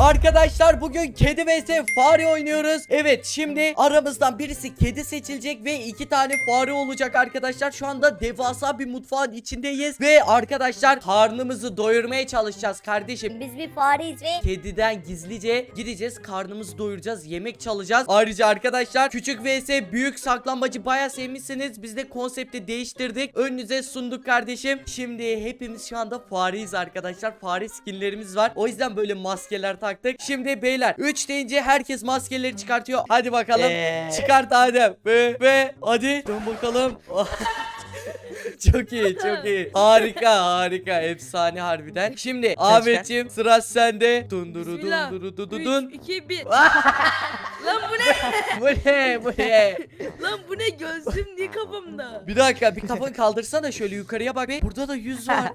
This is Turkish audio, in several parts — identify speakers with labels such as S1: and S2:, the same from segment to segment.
S1: Arkadaşlar bugün kedi vs fare oynuyoruz. Evet, şimdi aramızdan birisi kedi seçilecek ve 2 tane fare olacak arkadaşlar. Şu anda devasa bir mutfağın içindeyiz ve arkadaşlar karnımızı doyurmaya çalışacağız kardeşim.
S2: Biz bir fareyiz ve
S1: Kediden gizlice gideceğiz, karnımızı doyuracağız, yemek çalacağız. Ayrıca arkadaşlar küçük vs büyük saklambacı bayağı sevmişsiniz. Biz de konsepti değiştirdik, önünüze sunduk kardeşim. Şimdi hepimiz şu anda fareyiz arkadaşlar. Fare skinlerimiz var, o yüzden böyle maskeler taktık. Şimdi beyler 3 deyince herkes maskeleri çıkartıyor. Hadi bakalım. Çıkart Adem. Ve hadi dön bakalım. Çok iyi, çok iyi. Harika, harika. Efsane harbiden. Şimdi Ahmetciğim, sıra sende. Dunduru
S3: Bismillah.
S1: dunduru dududun.
S3: 3, 2, 1. Lan bu ne?
S1: Bu ne? Bu ne?
S3: Lan bu ne? Gözlüğüm niye kafamda?
S1: Bir dakika, bir kafanı kaldırsana şöyle yukarıya bak. Burada da yüz var.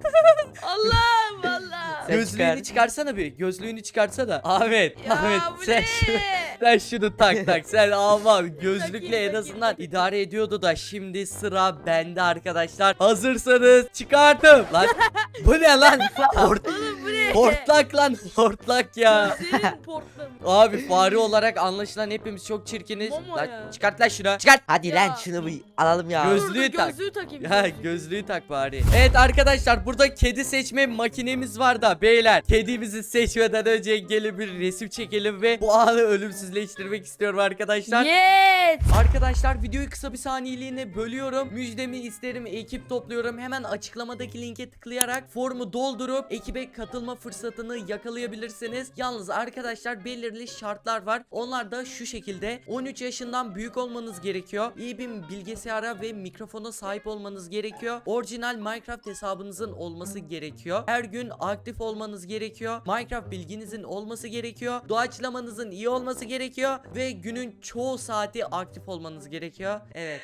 S3: Allah Allah.
S4: Sen
S1: Gözlüğünü çıkarsana bir. Gözlüğünü çıkarsana. Ahmet,
S3: Ya
S1: Ahmet
S3: bu
S1: sen
S3: ne?
S1: sen şunu tak. Sen alma. Gözlükle en
S3: Takayım.
S1: azından idare ediyordu da şimdi sıra bende arkadaşlar. Hazırsanız çıkarttım. Lan bu ne lan?
S3: Oğlum bu ne?
S1: Hortlak lan, hortlak ya.
S3: Senin portlamış.
S1: Abi fare olarak anlaşılan hepimiz çok çirkiniz.
S3: Momo
S1: Lan,
S3: ya.
S1: çıkart lan şunu. Çıkart.
S4: Hadi
S3: Ya.
S4: lan şunu bir alalım ya.
S1: Göz-
S3: Dur,
S1: Gözlüğü tak.
S3: Gözlüğü takayım.
S1: Ya gözlüğü tak bari. Evet arkadaşlar, burada kedi seçme makinemiz var da beyler, kedimizi seçmeden önce gelin bir resim çekelim ve bu anı ölümsüzleştirmek istiyorum arkadaşlar.
S3: Yes.
S1: Arkadaşlar videoyu kısa bir saniyeliğine bölüyorum. Müjdemi isterim, ekip topluyorum. Hemen açıklamadaki linke tıklayarak formu doldurup ekibe katılma fırsatını yakalayabilirsiniz. Yalnız arkadaşlar belirli şartlar var. Onlar da şu şekilde: 13 yaşından büyük olmanız gerekiyor. İyi bir bilgisayara ve mikrofona sahip olmanız gerekiyor. Orijinal Minecraft hesabınızın olması gerekiyor. Her gün aktif olmanız gerekiyor. Minecraft bilginizin olması gerekiyor. Doğaçlamanızın iyi olması gerekiyor ve günün çoğu saati aktif olmanız gerekiyor. Evet.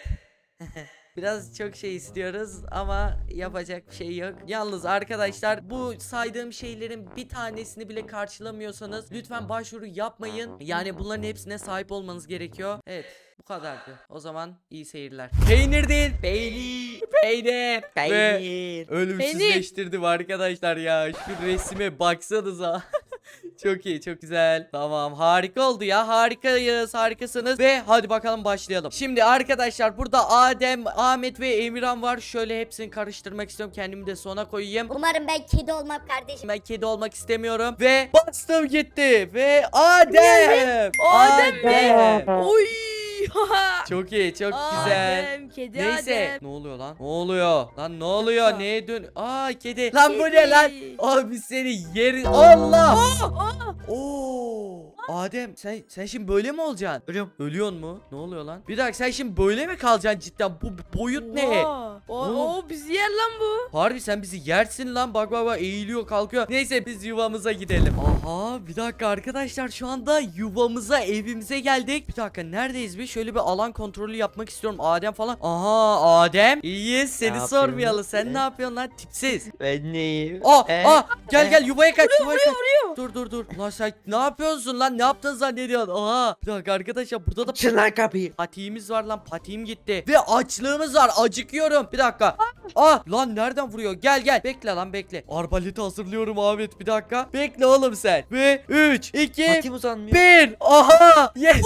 S1: Biraz çok şey istiyoruz ama yapacak bir şey yok. Yalnız arkadaşlar, bu saydığım şeylerin bir tanesini bile karşılamıyorsanız lütfen başvuru yapmayın. Yani bunların hepsine sahip olmanız gerekiyor. Evet, bu kadardı. O zaman iyi seyirler. Peynir değil, peynir. Peynir. Ve
S4: Peynir.
S1: ölümsüzleştirdim arkadaşlar ya. Şu resime baksanıza. Çok iyi, çok güzel. Tamam, harika oldu ya. Harikayız, harikasınız. Ve hadi bakalım başlayalım. Şimdi arkadaşlar burada Adem, Ahmet ve Emirhan var. Şöyle hepsini karıştırmak istiyorum. Kendimi de sona koyayım.
S2: umarım ben kedi olmam kardeşim.
S1: Ben kedi olmak istemiyorum. Ve bastım gitti. Ve Adem.
S3: Adem mi? Oy.
S1: Çok iyi, çok güzel.
S3: Adem, kedi
S1: Neyse.
S3: Adem.
S1: Ne oluyor lan? Ne oluyor? Lan ne oluyor?
S3: Nasıl?
S1: Neye dön? Aa, kedi. Lan bu ne
S3: Kedi.
S1: lan? Abi seni yeri. Allah.
S3: Aa,
S1: Oo. Adem sen şimdi böyle mi olacaksın?
S4: Ölüyorum.
S1: Ölüyorsun mu? Ne oluyor lan? Bir dakika, sen şimdi böyle mi kalacaksın cidden? Bu boyut ne?
S3: oha.
S1: Oğlum.
S3: O bizi yer lan bu.
S1: Harbi sen bizi yersin lan. Bak bak bak, eğiliyor kalkıyor. Neyse biz yuvamıza gidelim. Aha, bir dakika arkadaşlar, şu anda yuvamıza, evimize geldik. Bir dakika, neredeyiz biz? Şöyle bir alan kontrolü yapmak istiyorum. Adem falan. Aha, Adem. İyiyiz, seni
S4: yapıyorsun?
S1: sormayalım. Sen ne yapıyorsun lan, tipsiz?
S4: Ben neyim?
S1: Gel gel, yuvaya kaç. Yuvaya kaç.
S3: Vuruyor.
S1: Dur. Lan sen ne yapıyorsun lan? Ne yaptın zannediyorsun? Aha. Bir dakika arkadaşlar, burada da
S4: Açın lan kapıyı.
S1: patiğimiz var lan. Patiğim gitti. Ve açlığımız var. Acıkıyorum. Bir dakika. Lan nereden vuruyor? Gel. Bekle lan, bekle. Arbaleti hazırlıyorum Ahmet. Bir dakika. Bekle oğlum sen. Ve 3, 2,
S4: Patim uzanmıyor.
S1: 1. Aha. Yes.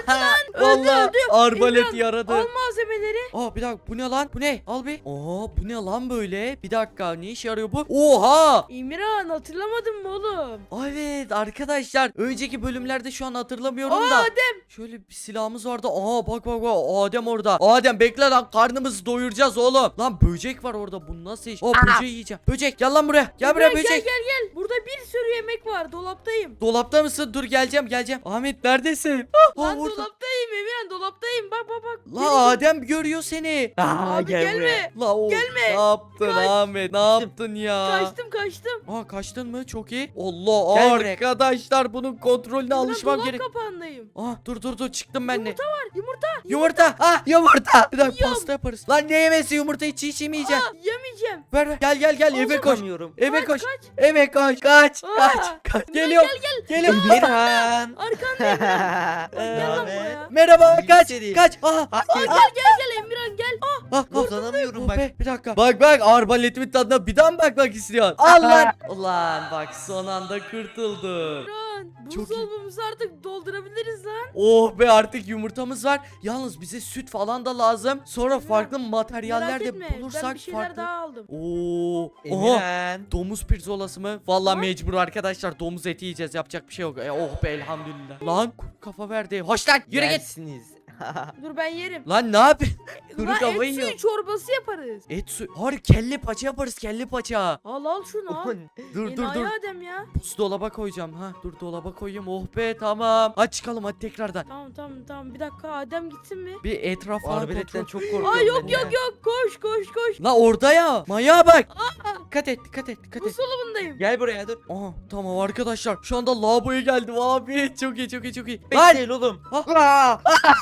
S1: Vallahi
S3: öldü.
S1: arbalet
S3: İmran,
S1: yaradı.
S3: Al malzemeleri.
S1: Bir dakika, bu ne lan? Bu ne? Al bir. Oha, bu ne lan böyle? Bir dakika, ne işe yarıyor bu? Oha.
S3: İmran, hatırlamadın mı oğlum?
S1: Evet arkadaşlar, önceki bölümlerde şu an hatırlamıyorum da.
S3: Adem.
S1: Şöyle bir silahımız vardı. Bak Adem orada. Adem bekle lan, karnımızı doyuracağız oğlum. Lan böcek var orada, bu nasıl iş? Böceği yiyeceğim. Böcek gel lan buraya. Gel buraya
S3: İmran,
S1: böcek.
S3: gel. Burada bir sürü yemek var. Dolaptayım.
S1: Dolapta mısın? Dur geleceğim. Ahmet neredesin?
S3: Lan
S1: Orada.
S3: dolaptayım Emirhan, dolaptayım. Bak.
S1: La Adem görüyor seni.
S3: Abi
S4: gel buraya.
S3: gelme.
S1: La o.
S3: Gelme.
S1: Ne yaptın
S3: Kaç.
S1: Ahmet? Ne yaptın ya?
S3: Kaçtım.
S1: Kaçtın mı? Çok iyi. Allah,
S4: Gel buraya.
S1: arkadaşlar bunun kontrolüne alışmam
S3: Dolap
S1: gerek.
S3: kapağındayım.
S1: Dur çıktım ben de.
S3: Yumurta var.
S1: Yumurta. Yumurta. Bir dakika,
S3: Yiyorum.
S1: pasta yaparız. Lan ne yemesi, yumurta hiç yemeyeceğim.
S3: Yemeyeceğim.
S1: Ver. Gel eve koş.
S4: Uzanamıyorum.
S1: Eve koş.
S3: Kaç.
S1: Eve koş. Kaç.
S3: Aa.
S1: Geliyorum. Geliyorum.
S4: Emirhan.
S3: Arkandayım. Gel lan
S4: Ahmet.
S3: buraya.
S1: Merhaba,
S4: İyi
S1: kaç.
S4: seni.
S1: Kaç. Aha.
S4: Hadi.
S3: Gel Emirhan gel.
S4: Uzanamıyorum
S1: Oh
S4: bak.
S1: be, bir dakika. Bak bak arbaletimin tadına bir daha mı bakmak istiyorsun? Al lan. Ulan bak son anda kurtulduk.
S3: Emirhan
S1: Çok iyi.
S3: buzdolabımızı artık doldurabiliriz lan.
S1: Oh be artık yumurtamız var. Yalnız bize süt falan da lazım. Sonra farklı materyaller
S3: Merak
S1: de
S3: etme ben
S1: bulursak
S3: bir şeyler
S1: farklı.
S3: daha aldım.
S1: Oo. Oha.
S4: Emirhan.
S1: Domuz pirzolası mı? Vallahi mecbur arkadaşlar domuz eti yiyeceğiz. Yapacak bir şey yok. Oh be elhamdülillah. Lan kuru kafa verdi. Hoş lan yürü git.
S4: Yersiniz.
S3: Dur ben yerim.
S1: Lan ne yapıyorsun? Kuru
S3: Lan
S1: kafayı
S3: et
S1: yiyor.
S3: suyu çorbası yaparız.
S1: Et su. Hayır kelle paça yaparız kelle paça.
S3: Al şunu al.
S1: Dur dur
S3: Enayi
S1: dur.
S3: Adem ya.
S1: Buzdolaba koyacağım. Ha dur dolaba koyayım. Oh be tamam. Hadi çıkalım hadi tekrardan.
S3: Tamam bir dakika Adem gitsin mi?
S1: Bir etraf falan
S4: Arbeletten
S1: kontrol.
S4: çok korkuyorum.
S3: Aa yok
S4: ben
S3: yok
S4: ya.
S3: yok koş.
S1: La orada ya. Manyağa bak. Dikkat et.
S3: Buzdolabındayım.
S4: Gel buraya dur.
S1: Aha tamam arkadaşlar. Şu anda lavaboya geldim abi. Çok iyi. Lan.
S4: Bekleyin oğlum.
S1: Ah.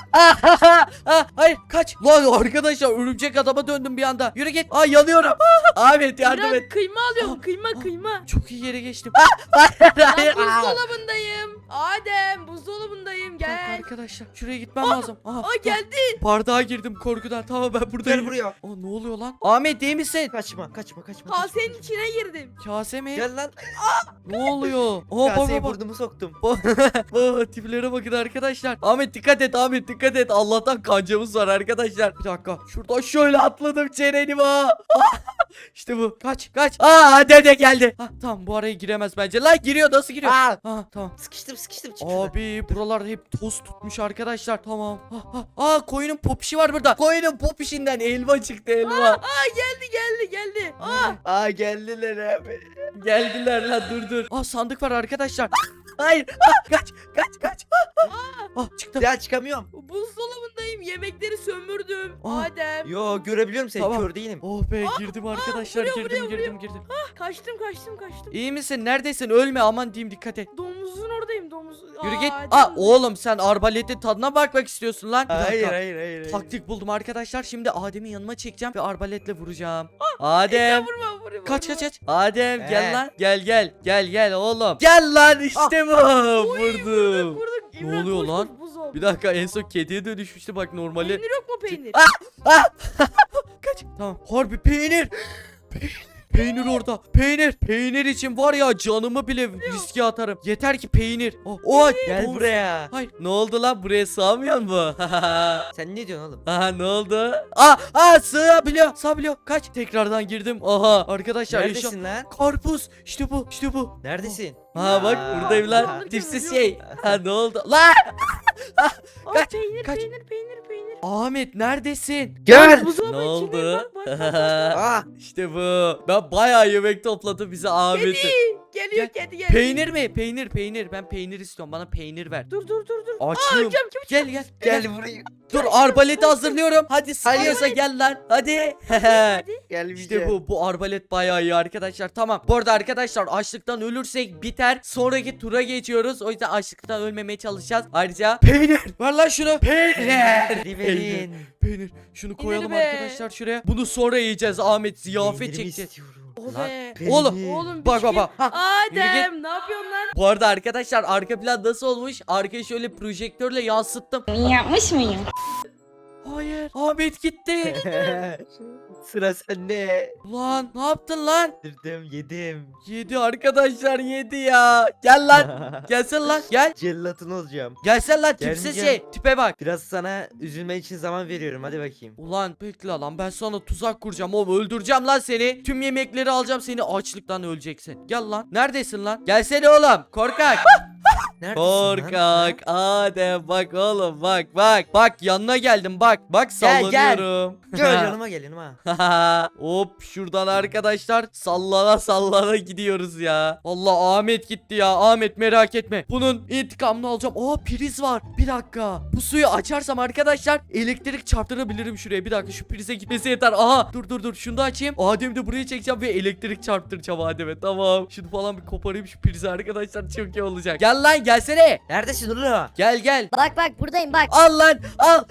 S1: Hayır kaç. Lan arkadaşlar örümcek adama döndüm bir anda. Yürü git. Aa yanıyorum. Ahmet yardım
S3: Emirhan,
S1: et.
S3: kıyma alıyorum
S1: Ah,
S3: kıyma.
S1: Çok iyi yere geçtim.
S3: Lan buzdolabındayım. Adem buzdolabındayım
S1: Bak
S3: gel.
S1: arkadaşlar şuraya gitmem lazım. Aha,
S3: Aa geldi.
S1: bardağa girdim korkudan. Tamam ben buradayım.
S4: Gel buraya.
S1: Aa ne oluyor lan? Ahmet iyi misin?
S4: Kaçma.
S3: Kasenin içine girdim.
S1: Kase mi?
S4: Gel lan.
S1: Ne oluyor? Aa
S4: Kaseye
S1: bak.
S4: burnumu soktum.
S1: Tiplere bakın arkadaşlar. Ahmet dikkat et. Allah'tan kancamız var arkadaşlar. Bir dakika. Şuradan şöyle atladım çeneni İşte bu. Kaç. Dede geldi. Tamam bu araya giremez bence. Lan giriyor nasıl giriyor? Tamam.
S4: Sıkıştım çıkmadı.
S1: Abi buralar hep toz tutmuş arkadaşlar. Tamam. Koyunun popişi var burada. Koyunun popişinden elma çıktı elma.
S3: Geldi.
S4: Geldiler abi.
S1: Geldiler lan dur. Sandık var arkadaşlar. Hayır. Kaç. Çıktı.
S4: Ya çıkamıyorum.
S3: Buzdolabındayım. Yemekleri sömürdüm.
S1: Aa.
S3: Adem.
S4: Yo görebiliyorum seni,
S1: Tamam.
S4: kör değilim.
S1: Oh be girdim arkadaşlar. Girdim.
S3: Kaçtım.
S1: İyi misin? Neredesin? Ölme aman diyeyim dikkat et.
S3: Domuzun oradayım domuz.
S1: Yürü git.
S3: Adem.
S1: Oğlum sen arbaletin tadına bakmak istiyorsun lan. Bir
S4: Hayır.
S1: dakika. Taktik buldum arkadaşlar. Şimdi Adem'i yanıma çekeceğim ve arbaletle vuracağım. Adem.
S3: Vurma.
S1: Kaç. Adem gel
S4: He.
S1: lan. Gel oğlum. Gel lan işte bu. Vurdum.
S3: Vurduk.
S1: Ne
S3: İmran,
S1: oluyor
S3: koş,
S1: lan?
S3: koş, buz oldu.
S1: Bir dakika en son kediye dönüşmüştü bak normali.
S3: Peynir yok mu peynir?
S1: Kaç. Tamam. Harbi peynir. Peynir orada. Peynir için var ya canımı bile riske atarım. Yeter ki peynir.
S4: Gel
S1: domuz.
S4: buraya.
S1: Hayır ne oldu lan buraya sığamıyor mu?
S4: Sen ne diyorsun oğlum?
S1: Aha ne oldu? Sığabiliyor. Kaç. Tekrardan girdim. Aha arkadaşlar
S4: Neredesin lan?
S1: Karpuz. İşte bu.
S4: Neredesin?
S1: Ha bak
S4: Aa.
S1: buradayım lan.
S3: Alırken
S1: Tipsiz
S3: ölüyorum.
S1: şey. Ha ne oldu? Lan kaç,
S3: Peynir.
S1: Ahmet neredesin?
S4: Gel.
S3: Buzdolabı
S1: Ne
S3: içinde,
S1: oldu?
S4: Ah.
S1: İşte bu. Ben bayağı yemek topladım bize Ahmet'i.
S3: Geliyor
S1: Gel.
S3: kedi gel.
S1: Peynir mi? Peynir. Ben peynir istiyorum. Bana peynir ver.
S3: Dur.
S1: Açım.
S3: Çabuk.
S1: Gel.
S4: buraya.
S1: Dur arbaleti hazırlıyorum. Hadi sıkıyorsa gel lan. Hadi.
S4: Gel
S1: İşte bu arbalet bayağı iyi arkadaşlar. Tamam. Bu arada arkadaşlar açlıktan ölürsek biter. Sonraki tura geçiyoruz. O yüzden açlıktan ölmemeye çalışacağız. Ayrıca peynir. Ver lan şunu. Peynir.
S4: Verin.
S1: Peynir. Şunu koyalım
S3: be.
S1: arkadaşlar şuraya. Bunu sonra yiyeceğiz. Ahmet ziyafet
S4: Peynirimi
S1: çekti.
S4: istiyorum.
S3: Oh
S4: Lan,
S3: be.
S4: peynir.
S3: Oğlum
S1: Bak.
S3: biçkin.
S1: Ha, yürü
S3: Adem ne yapıyorsun lan?
S1: Bu arada arkadaşlar arka plan nasıl olmuş? Arkayı şöyle projektörle yansıttım.
S2: Yapmış mıyım?
S1: Hayır. Ahmet gitti.
S4: Sıra sende.
S1: Ulan ne yaptın lan?
S4: Yedim.
S1: Yedi arkadaşlar yedi ya. Gel lan. Gelsin lan. Gel.
S4: Cellatın olacağım.
S1: Gelsen lan tipsiz
S4: Gelmeyeceğim.
S1: şey. Tipe bak.
S4: Biraz sana üzülme için zaman veriyorum, hadi bakayım.
S1: Ulan bekle lan ben sana tuzak kuracağım oğlum öldüreceğim lan seni. Tüm yemekleri alacağım seni açlıktan öleceksin. Gel lan. Neredesin lan? Gelsene oğlum. Korkak.
S4: Neredesin lan?
S1: Korkak. Adem bak oğlum bak. Bak yanına geldim bak. Bak
S4: Gel, gel.
S1: sallanıyorum.
S4: Gel yanıma gel yanıma.
S1: Hop şuradan arkadaşlar sallana gidiyoruz ya. Allah Ahmet gitti ya. Ahmet merak etme. Bunun intikamını alacağım. Priz var. Bir dakika. Bu suyu açarsam arkadaşlar elektrik çarptırabilirim şuraya. Bir dakika şu prize gitmesi yeter. Aha dur şunu da açayım. Adem'i de buraya çekeceğim ve elektrik çarptıracağım Adem'e. Tamam. Şunu falan bir koparayım şu prizi arkadaşlar. Çok iyi olacak. Gel lan gelsene.
S4: Neredesin oğlum?
S1: Gel gel.
S2: Bak bak buradayım bak.
S1: Al lan al.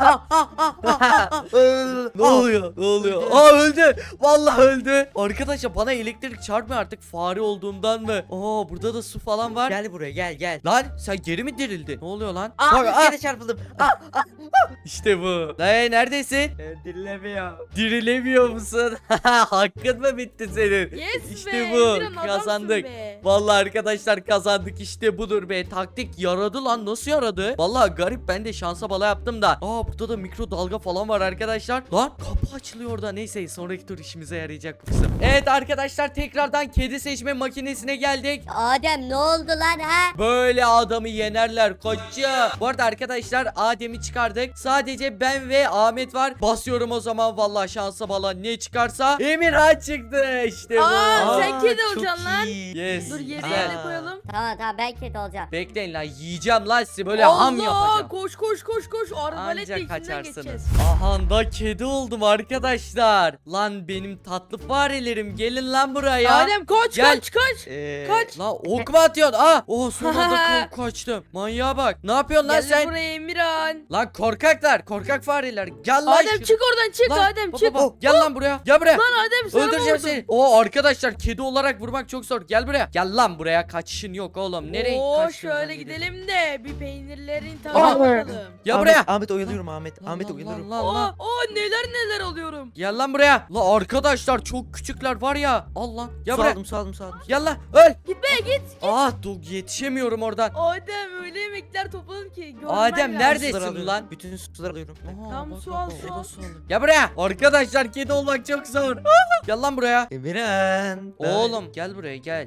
S1: Ne oluyor? Ne oluyor? Aa öldü. Vallahi öldü. Arkadaşlar bana elektrik çarpmıyor artık fare olduğumdan mı? Aa burada da su falan var.
S4: Gel buraya gel.
S1: Lan sen geri mi dirildin? Ne oluyor lan?
S4: Aa,
S1: Bak,
S4: bir kere çarpıldım.
S1: işte bu. Neredesin?
S4: Dinlemiyor.
S1: Dirilemiyor musun? Hakkın mı bitti senin?
S3: Yes
S1: İşte
S3: be.
S1: bu.
S3: Emirhan, adamsın
S1: Kazandık.
S3: be.
S1: Vallahi arkadaşlar kazandık işte budur be. Taktik yaradı lan, nasıl yaradı? Vallahi garip, ben de şansa bala yaptım da. Aa burada da mikrodalga falan var arkadaşlar. Lan kapı açılıyor orada. Neyse sonraki tur işimize yarayacak bu kısım. Evet arkadaşlar tekrardan kedi seçme makinesine geldik.
S2: Adem ne oldu lan ha?
S1: Böyle adamı yenerler koçum. Bu arada arkadaşlar Adem'i çıkardık. Sadece ben ve Ahmet var. Basıyorum o zaman, vallahi şansa bala ne çıkarsa. Emirhan çıktı işte bu.
S3: Aa, sen kedi
S4: çok
S3: olacaksın lan.
S4: iyi.
S1: Yes.
S3: Dur yerine
S1: Güzel.
S3: yerine koyalım.
S2: Tamam ben kedi olacağım.
S1: Bekleyin lan, yiyeceğim lan sizi, böyle ham yapacağım.
S3: Koş. Arbaletle
S1: Ancak
S3: içinden
S1: kaçarsınız.
S3: geçeceğiz.
S1: Aha da kedi oldum arkadaşlar. Lan benim tatlı farelerim, gelin lan buraya.
S3: Adem kaç
S1: Gel.
S3: kaç. Kaç.
S1: Lan ok mu atıyorsun? Oh son anda kaçtım. Manyağa bak. Ne yapıyorsun lan
S3: Gel
S1: sen?
S3: buraya Emirhan.
S1: Lan korkaklar, korkak fareler. Gel lan.
S3: Adem çık oradan çık
S1: Lan,
S3: Adem
S1: baba,
S3: çık.
S1: baba, gel lan buraya. Gel buraya.
S3: Lan Adem sana
S1: Öldüreceğim
S3: vurdum.
S1: seni. Oo arkadaşlar kedi olarak vurmak çok zor. Gel buraya. Gel lan buraya. Kaçışın yok oğlum. Nereye
S3: Oo
S1: kaçtın?
S3: şöyle gidelim de bir peynirlerin
S1: Aha.
S3: tadına bakalım.
S1: Gel buraya.
S4: Ahmet oyalıyorum Ahmet.
S1: Lan,
S4: Ahmet
S1: lan,
S4: oyalıyorum.
S1: lan, lan.
S3: Aa neler alıyorum.
S1: Gel lan buraya. La arkadaşlar çok küçükler var ya. Al lan. Gel
S4: Su
S1: buraya.
S4: aldım su aldım su aldım.
S1: Gel lan. Öl.
S3: Git be git.
S1: Ah dur yetişemiyorum oradan.
S3: Adem öyle yemekler topladım ki. görmen
S1: Adem,
S3: lazım.
S1: neredesin
S4: Suları alıyorum.
S1: lan?
S4: Bütün suları alıyorum.
S1: Aha,
S3: Tamam,
S1: bak,
S3: su
S1: bak,
S3: al,
S1: bak,
S3: su
S1: o da
S3: al.
S1: su aldı. Gel buraya. Arkadaşlar kedi olmak çok zor. Gel lan buraya.
S4: Emirhan.
S1: Oğlum gel buraya gel.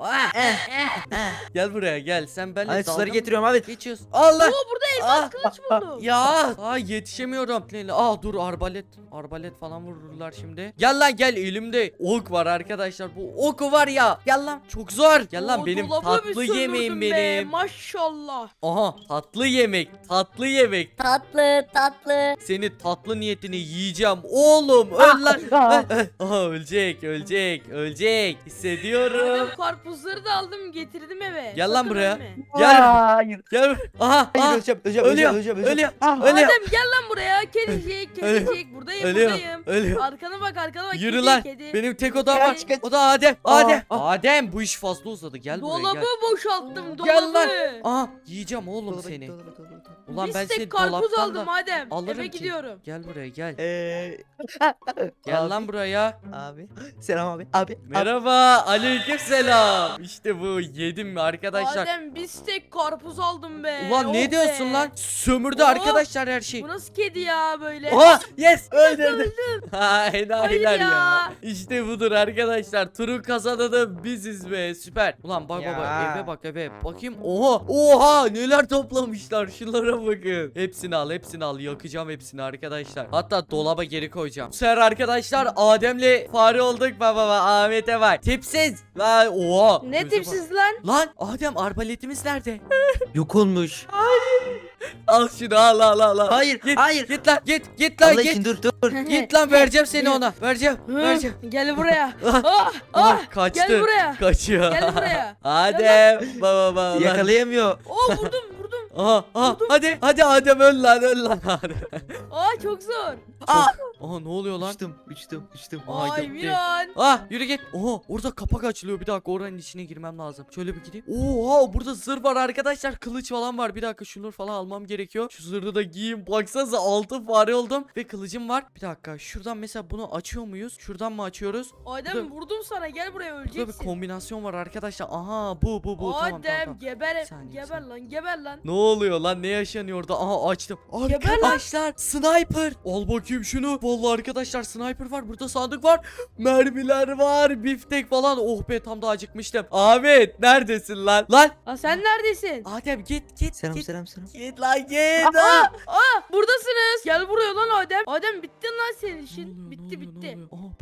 S1: Gel buraya gel. Sen benimle
S4: Ay
S1: dalga
S4: suları
S1: mı
S4: getiriyorum Ahmet.
S1: geçiyorsun? Allah.
S3: Oo burada elmas
S1: Ah,
S3: kılıç buldum.
S1: Ya. Aa yetişemiyorum. Dur arbalet falan vururlar şimdi. Gel lan gel, elimde ok var arkadaşlar. Bu oku var ya. Gel lan, çok zor. Gel lan,
S3: Oo,
S1: benim
S3: dolabı bir
S1: tatlı yemeğim
S3: sömürdüm be,
S1: benim.
S3: Maşallah.
S1: Aha tatlı yemek.
S2: Tatlı.
S1: Seni tatlı niyetini yiyeceğim oğlum. Öl lan. Aha ölecek. Hissediyorum.
S3: Adem karpuzları da aldım getirdim eve.
S1: Gel lan
S3: Sakın
S1: buraya.
S3: ölme.
S1: Gel.
S4: Hayır.
S1: Gel. Aha.
S4: Hayır öleceğim.
S1: Ölüyor.
S4: Öleceğim.
S1: Ölüyor.
S3: Adem gel lan buraya. Kedicik. Buradayım.
S1: Ölüyor.
S3: Arkana bak.
S1: Yürü
S3: Kedi,
S1: lan.
S3: kedi.
S1: Benim tek odam var.
S3: Kaç.
S1: O da Adem.
S4: Aa.
S1: Adem bu iş fazla uzadı. Gel buraya
S3: Dolabı
S1: gel.
S3: boşalttım. Dolabı.
S1: Gel lan. Aha yiyeceğim oğlum seni. Ulan
S3: Bir
S1: ben
S3: stek
S1: seni
S3: karpuz
S1: dolaptan
S3: aldım
S1: da
S3: Adem.
S1: alırım
S3: Eve
S1: ki.
S3: gidiyorum.
S1: Gel buraya gel.
S4: Gel
S1: Lan buraya.
S4: Abi. Selam abi. Abi.
S1: Merhaba. Aleykümselam. İşte bu, yedim mi arkadaşlar?
S3: Adem bir stek karpuz aldım be.
S1: Ulan
S3: Oh
S1: ne diyorsun
S3: be.
S1: lan? Sömürdü
S3: Oh.
S1: arkadaşlar her şeyi.
S3: Bu nasıl kedi ya böyle?
S1: Oha yes öldürdüm. Ha
S3: Hayır
S1: enayiler ya.
S3: ya.
S1: İşte budur arkadaşlar. Turu kazananı biziz be, süper. Ulan bak baba
S4: Ya.
S1: eve bak eve. Bakayım oha neler toplamışlar, şunlara bakın. Hepsini al yakacağım hepsini arkadaşlar. Hatta dolaba geri koyacağım. Bu sefer arkadaşlar Adem'le fare olduk baba Ahmet'e bak. Tipsiz. Oha.
S3: Ne
S1: Göze bak.
S3: tipsiz lan?
S1: Lan Adem arbaletimiz nerede?
S4: Yok olmuş.
S1: Al şunu al.
S4: Hayır.
S1: Git,
S4: Hayır.
S1: Git lan git lan
S4: Allah
S1: git.
S4: için dur.
S1: Git lan, vereceğim seni ona. Vereceğim.
S3: Gel buraya.
S1: Ah,
S3: Ah,
S1: kaçtı.
S3: gel buraya.
S1: Kaçıyor.
S3: Gel buraya.
S1: Adem baba.
S4: Yakalayamıyor.
S3: Oo vurdum.
S1: Hadi Adem öl lan Adem.
S3: Aa çok zor.
S1: Aha ne oluyor lan?
S4: Uçtum.
S1: Aa,
S3: Ay
S1: gitti.
S3: Miran.
S1: Yürü git. Oha orada kapak açılıyor, bir dakika oranın içine girmem lazım. Şöyle bir gideyim. Oha burada zırh var arkadaşlar, kılıç falan var. Bir dakika şunları falan almam gerekiyor. Şu zırhı da giyeyim. Baksanıza altın fare oldum ve kılıcım var. Bir dakika şuradan mesela bunu açıyor muyuz? Şuradan mı açıyoruz?
S3: Adem vurdum sana, gel buraya
S1: Burada bir
S3: öleceksin.
S1: kombinasyon var arkadaşlar. Aha bu tamam.
S3: Adem geber
S1: Bir saniye,
S3: geber lan.
S1: Ne oluyor lan, ne yaşanıyor orada? Aha açtım.
S3: Geber lan.
S1: Arkadaşlar sniper. Al bakayım şunu. Vallahi arkadaşlar sniper var. Burada sandık var. Mermiler var. Biftek falan. Oh be tam da acıkmıştım. Ahmet neredesin lan?
S3: Aa sen neredesin?
S1: Adem git.
S4: Selam.
S1: Git lan git. Ah!
S3: Buradasınız. Gel buraya lan Adem. Adem bitti lan senin
S1: Ne
S3: işin.
S1: oluyor,
S3: Bitti.
S1: Bak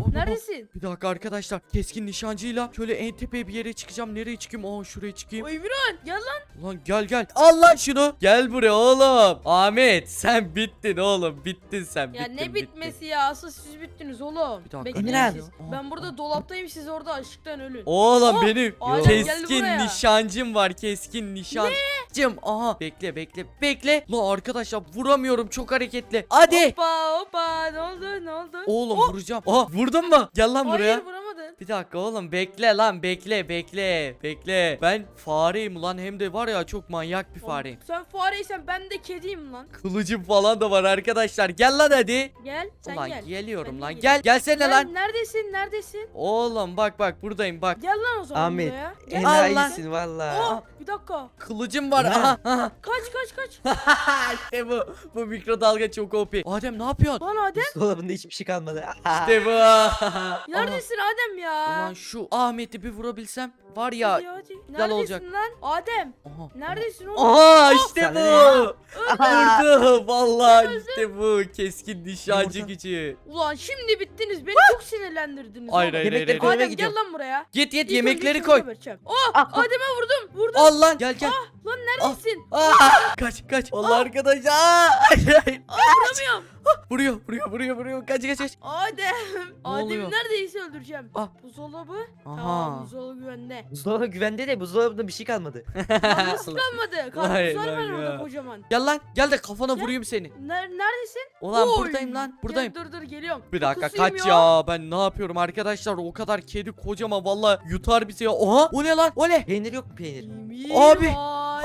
S3: Neredesin?
S1: Bir dakika arkadaşlar. Keskin nişancıyla şöyle en tepeye bir yere çıkacağım. Nereye çıkayım? Şuraya çıkayım.
S3: O Emirhan gel lan.
S1: Ulan gel. Al lan şunu. Gel buraya oğlum. Ahmet sen bittin oğlum. Bittin sen.
S3: Ya
S1: bittin,
S3: ne bitmesi ya? Asıl siz bittiniz oğlum.
S1: Bir dakika.
S3: Bekleyin
S4: Emirhan.
S3: siz.
S1: Aa,
S3: Ben burada dolaptayım, siz orada açlıktan ölün.
S1: Oğlum
S3: Oh,
S1: benim
S3: Adem geldi
S1: keskin
S3: buraya.
S1: nişancım var. Keskin nişancım. Aha bekle. Lan arkadaşlar vuramıyorum, çok hareketli. Hadi.
S3: Hoppa ne oldu?
S1: Oğlum vuracağım. Aha vurdun mu? Gel lan buraya.
S3: Hayır vuramadın.
S1: Bir dakika oğlum bekle lan bekle. Ben fareyim lan, hem de var ya çok manyak bir fareyim.
S3: Sen fareysen ben de kediyim lan.
S1: Kılıcım falan da var arkadaşlar. Gel lan hadi.
S3: Gel sen
S1: Ulan
S3: gel.
S1: geliyorum
S3: Ben
S1: lan.
S3: de
S1: Gelsene lan.
S3: Neredesin?
S1: Oğlum bak buradayım bak.
S3: Gel lan o zaman
S4: Ahmet,
S3: buraya. Gel.
S4: enayisin valla.
S3: Oh, bir dakika.
S1: Kılıcım var.
S4: Ne?
S1: Aha.
S3: Kaç.
S1: İşte bu mikrodalga çok OP. Adem ne yapıyorsun?
S3: Lan Adem.
S4: Dolabında hiçbir şey kalmadı.
S1: İşte bu.
S3: Neredesin Adem ya?
S1: Ulan şu Ahmet'i bir vurabilsem var ya.
S3: Hadi. Neredesin
S1: olacak.
S3: lan? Adem.
S1: Aha.
S3: Neredesin oğlum?
S1: Aha işte
S4: Sana
S1: bu. Vurdu. Vallahi işte bu. Keskin nişancı
S4: Yumurta.
S1: gücü.
S3: Ulan şimdi bittiniz. Beni çok sinirlendirdiniz.
S1: Hayır,
S3: oğlum.
S1: hayır,
S4: Yemekleri
S1: hayır.
S4: koymaya
S3: Adem gel
S4: gidiyorum.
S3: lan buraya.
S1: Git
S3: İlk
S1: yemekleri
S3: önce
S1: koy.
S3: şunu geberteceğim. Oh Adem'e vurdum.
S1: Al lan gel.
S3: Lan neredesin?
S1: Kaç. Allah arkadaşlar. Hayır.
S3: Vuramıyorum.
S1: Vuruyor. Kaç.
S3: Adem.
S1: oluyor?
S3: Adem'i neredeyse öldüreceğim.
S1: Ah.
S3: Buzdolabı.
S1: Aha.
S3: Tamam buzdolabı güvende.
S4: Buzdolabı güvende de buzdolabında bir şey kalmadı.
S3: Lan nasıl kalmadı?
S1: Vay
S3: Karpuzlar var
S1: lan
S3: orada
S1: ya.
S3: kocaman.
S1: Gel lan. Gel de kafana vurayım seni.
S3: Neredesin?
S1: Ulan
S3: Oy.
S1: buradayım lan. Buradayım.
S3: Gel, dur geliyorum.
S1: Bir dakika
S3: Kokusuyum
S1: kaç ya. Ben ne yapıyorum arkadaşlar? O kadar kedi kocaman vallahi yutar bizi ya. Oha o ne lan? O ne?
S4: Peynir yok mu peynir?
S1: Abi.
S3: Emirhan.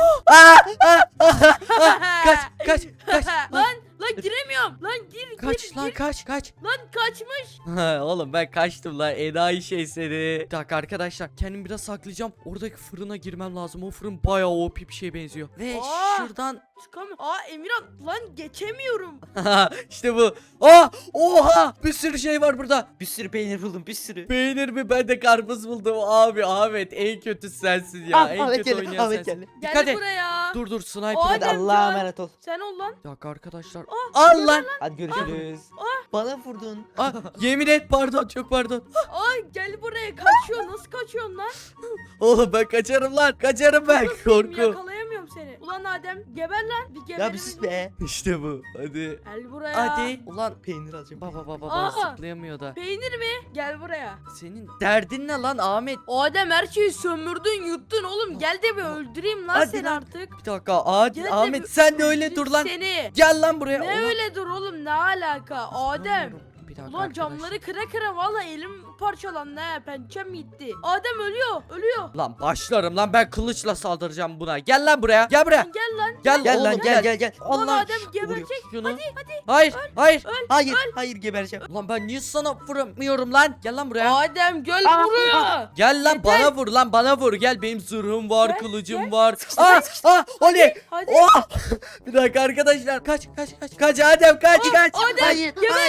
S1: Kaç.
S3: Lan giremiyorum. Lan gir.
S1: Kaç lan kaç.
S3: Lan kaçmış.
S1: Oğlum ben kaçtım lan. Enayi şey seni. Bir dakika arkadaşlar. Kendimi biraz saklayacağım. Oradaki fırına girmem lazım. O fırın bayağı OP bir şeye benziyor. Ve
S3: Aa.
S1: şuradan.
S3: Çıkamıyorum. Emirhan lan geçemiyorum.
S1: İşte bu. Oha. Bir sürü şey var burada.
S4: Bir sürü peynir buldum bir sürü.
S1: Peynir mi? Ben de karpuz buldum. Abi Ahmet en kötü sensin ya. En
S4: Ahmet
S1: kötü
S4: geldi,
S1: oynayan
S4: Ahmet
S1: sensin.
S4: geldi.
S1: Dikkat
S3: Gel
S1: et.
S3: buraya.
S1: Dur sniper.
S4: Hadi
S3: Adem
S4: Allah'a
S3: can.
S4: emanet ol.
S3: Sen ol lan.
S1: Bir dakika arkadaşlar.
S3: Ah,
S1: Al lan.
S4: Hadi görüşürüz. Bana vurdun.
S1: Yemin et pardon, çok pardon.
S3: Gel buraya kaçıyor. Nasıl kaçıyorsun lan?
S1: Oğlum ben kaçarım lan. Kaçarım ben.
S3: Korku.
S1: Korku.
S3: Yakalayamıyorum seni. Ulan Adem geber lan. Bir geber.
S4: Ya bir sus be.
S1: İşte bu. Hadi.
S3: Gel buraya.
S1: Hadi. Ulan
S4: Peynir alacağım.
S1: baba
S3: Aa.
S1: zıplayamıyor da.
S3: Peynir mi? Gel buraya.
S1: Senin derdin ne lan Ahmet?
S3: Adem her şeyi sömürdün yuttun oğlum. Gel de bir öldüreyim lan
S1: Hadi
S3: seni
S1: lan.
S3: artık.
S1: Bir dakika
S3: Gel de
S1: Ahmet
S3: bir
S1: sen de öyle
S3: öldüreyim
S1: dur lan.
S3: Seni.
S1: Gel lan buraya.
S3: Ne
S1: Ulan-
S3: öyle dur oğlum ne alaka Adem.
S1: Bir dakika
S3: Ulan
S1: arkadaşlar.
S3: camları kıra valla elim parçalandı he pençem gitti. Adem ölüyor.
S1: Lan başlarım lan, ben kılıçla saldıracağım buna. Gel lan buraya. Gel buraya.
S3: Lan gel lan.
S4: Gel
S1: oğlum,
S4: lan gel.
S3: Ulan
S1: Allah.
S3: Adem geberecek.
S1: Şunu.
S3: Hadi.
S1: Hayır.
S4: Hayır gebereceğim.
S1: Ulan ben niye sana vuramıyorum lan? Gel lan buraya.
S3: Adem gel
S4: Aa,
S3: buraya.
S1: Gel lan
S3: Yeter.
S1: bana vur lan, bana vur. Gel benim zırhım var,
S3: Gel,
S1: kılıcım
S3: gel.
S1: var. Oley.
S3: Hadi.
S1: Oh! Bir dakika arkadaşlar. Kaç. Kaç Adem kaç.
S3: Adem
S4: Hayır.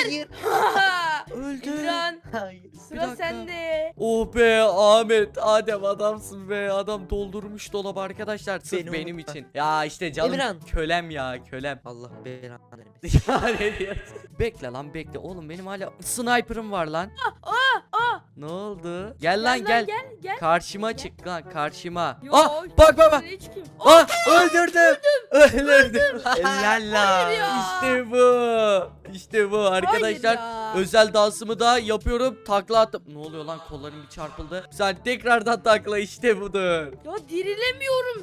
S1: Öldü.
S3: İmran
S4: Hayır.
S1: Bir
S3: sıra
S1: dakika.
S3: sende.
S1: Oh be Ahmet, Adem adamsın be. Adam doldurmuş dolabı arkadaşlar. Sırf
S4: Beni
S1: benim
S4: unutma.
S1: için. Ya işte canım
S4: Emirhan.
S1: kölem ya, kölem.
S4: Allah belanı vermesin.
S1: Ya ne diyorsun? Bekle lan bekle. Oğlum benim hala sniper'ım var lan. Ne oldu? Gel lan gel.
S3: Gel.
S1: Karşıma
S3: Gel.
S1: çık lan, karşıma.
S3: Yo,
S1: Bak.
S3: nereye çıkayım? Oh,
S1: Öldürdüm. Öldürdüm.
S4: Helal lan.
S3: ya.
S1: İşte bu. İşte bu arkadaşlar.
S3: Hayır ya.
S1: Özel dansımı da yapıyorum. Takla attım. Ne oluyor lan, kollarım bir çarpıldı. Sen tekrardan takla, işte budur.
S3: Ya dirilemiyorum.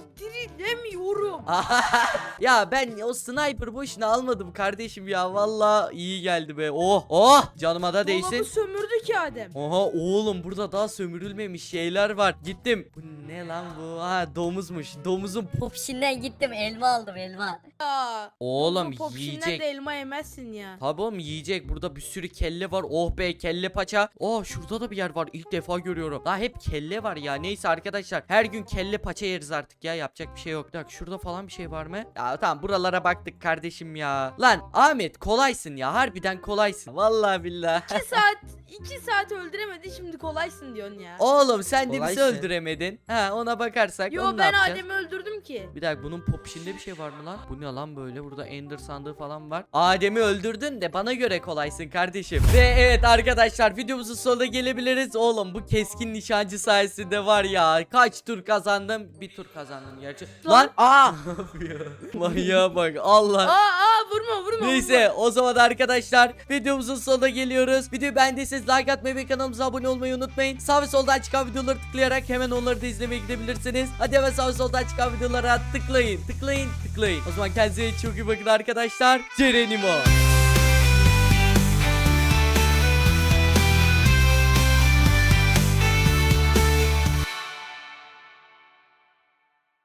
S1: Ya ben o sniper boşuna almadım kardeşim ya. Vallahi iyi geldi be. Oh canıma da değsin.
S3: Dolabı sömürdü ki Adem.
S1: Oha oğlum, burada daha sömürülmemiş şeyler var. Gittim. Bu ne lan bu? Domuzmuş. Domuzun
S2: Popşinden gittim elma aldım elma.
S3: Ya.
S1: Oğlum
S3: Popşin'den
S1: yiyecek.
S3: de elma yemezsin ya.
S1: Tabii oğlum yiyecek. Burada bir sürü kelle var. Oh be, kelle paça. Şurada da bir yer var. İlk defa görüyorum. Daha hep kelle var ya. Neyse arkadaşlar. Her gün kelle paça yeriz artık ya. Yapacak bir şey yok. Bak şurada falan bir şey var mı? Ya tamam, buralara baktık kardeşim ya. Lan Ahmet kolaysın ya. Harbiden kolaysın. Vallahi billahi.
S3: 2 saat öldüremedi şimdi kolaysın diyorsun ya.
S1: Oğlum sen de bizi
S4: Kolaysın.
S1: öldüremedin. Ha, ona bakarsak
S3: Yo
S1: onu ne
S3: ben
S1: yapacağız?
S3: Adem'i öldürdüm ki.
S1: Bir dakika, bunun popişinde bir şey var mı lan? Bu ne lan böyle? Burada Ender sandığı falan var. Adem'i öldürdün de bana göre kolaysın kardeşim. Ve evet arkadaşlar, videomuzun sonuna gelebiliriz. Oğlum bu keskin nişancı sayesinde var ya, kaç tur kazandım? Bir tur kazandım gerçi. Lan
S4: Aa!
S1: ne yapıyor? Manyağa bak Allah.
S3: Vurma.
S1: Neyse, o zaman arkadaşlar videomuzun sonuna geliyoruz. Videoyu beğendiyseniz like atmayı ve kanalımıza abone olmayı unutmayın. Sağ ve soldan çıkan videoları tıklayarak hemen onları da izlemeye gidebilirsiniz. Hadi hemen sağ ve soldan çıkan videolara tıklayın. O zaman kendinize çok iyi bakın arkadaşlar. Cerenimo.